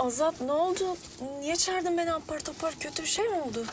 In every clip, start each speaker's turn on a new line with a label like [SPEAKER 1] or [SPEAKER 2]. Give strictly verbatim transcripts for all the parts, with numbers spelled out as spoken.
[SPEAKER 1] Azat ne oldu? Niye çağırdın beni apar topar? Kötü bir şey mi oldu?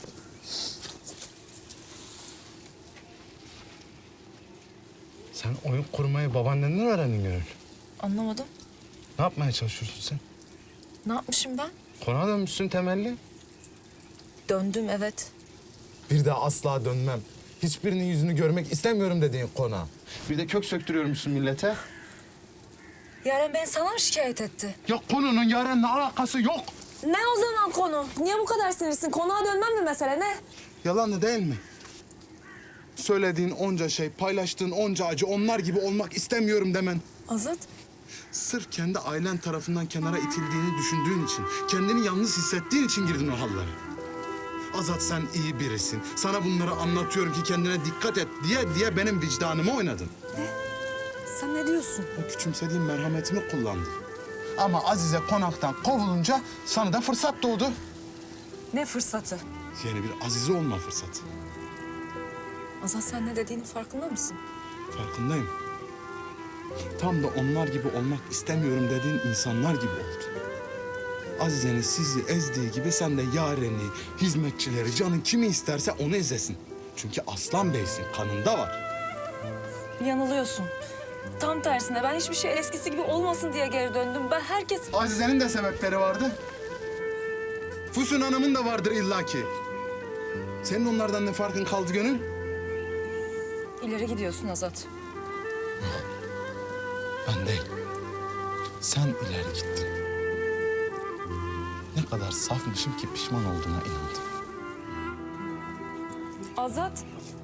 [SPEAKER 2] Sen oyun kurmayı babaannenden öğrendin Gönül.
[SPEAKER 1] Anlamadım.
[SPEAKER 2] Ne yapmaya çalışıyorsun sen?
[SPEAKER 1] Ne yapmışım ben?
[SPEAKER 2] Konağa dönmüşsün temelli.
[SPEAKER 1] Döndüm evet.
[SPEAKER 2] Bir daha asla dönmem. Hiçbirinin yüzünü görmek istemiyorum dediğin konağa. Bir de kök söktürüyormuşsun millete.
[SPEAKER 1] Yaren beni sana mı şikayet etti?
[SPEAKER 2] Ya konunun Yaren'le alakası yok.
[SPEAKER 1] Ne o zaman konu? Niye bu kadar sinirsin? Konağa dönmem mi mesele ne?
[SPEAKER 2] Yalan değil mi? Söylediğin onca şey, paylaştığın onca acı onlar gibi olmak istemiyorum demen.
[SPEAKER 1] Azat,
[SPEAKER 2] Sırf kendi ailen tarafından kenara itildiğini düşündüğün için, kendini yalnız hissettiğin için girdin o hallere. Azat sen iyi birisin. Sana bunları anlatıyorum ki kendine dikkat et diye diye benim vicdanımı oynadın.
[SPEAKER 1] sen ne diyorsun?
[SPEAKER 2] O küçümsediğim merhametimi kullandın. Ama Azize konaktan kovulunca sana da fırsat doğdu.
[SPEAKER 1] Ne fırsatı?
[SPEAKER 2] Yeni bir Azize olma fırsatı.
[SPEAKER 1] Azat sen ne dediğinin farkında mısın?
[SPEAKER 2] Farkındayım. Tam da onlar gibi olmak istemiyorum dediğin insanlar gibi oldu. Azize'nin sizi ezdiği gibi sen de Yaren'i, hizmetçileri, canın kimi isterse onu ezesin. Çünkü Aslan Bey'sin, kanında var.
[SPEAKER 1] Yanılıyorsun. Tam tersine ben hiçbir şey eskisi gibi olmasın diye geri döndüm. Ben herkes...
[SPEAKER 2] Azize'nin de sebepleri vardı. Füsun Hanım'ın da vardır illaki. Senin onlardan ne farkın kaldı Gönül?
[SPEAKER 1] İleri gidiyorsun Azat.
[SPEAKER 2] Ben değil. Sen ileri gittin. Ne kadar safmışım ki pişman olduğuna inandım.
[SPEAKER 1] Azat,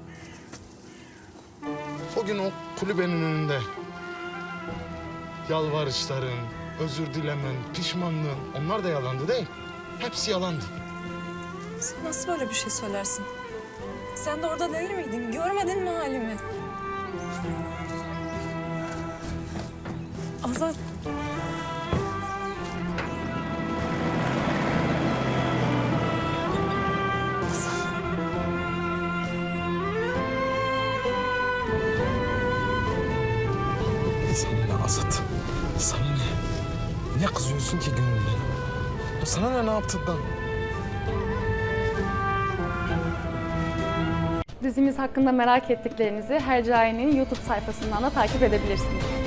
[SPEAKER 2] O gün o kulübenin önünde yalvarışların, özür dilemen, pişmanlığın onlar da yalandı değil. Hepsi yalandı.
[SPEAKER 1] sen nasıl böyle bir şey söylersin? Sen de orada değil miydin? Görmedin mi halimi? Azat. Azat.
[SPEAKER 2] Sana ne Azat? Sana ne? Niye kızıyorsun ki Gönül'den? Ya sana ne ne yaptığından?
[SPEAKER 3] Dizimiz hakkında merak ettiklerinizi Hercai'nin YouTube sayfasından da takip edebilirsiniz.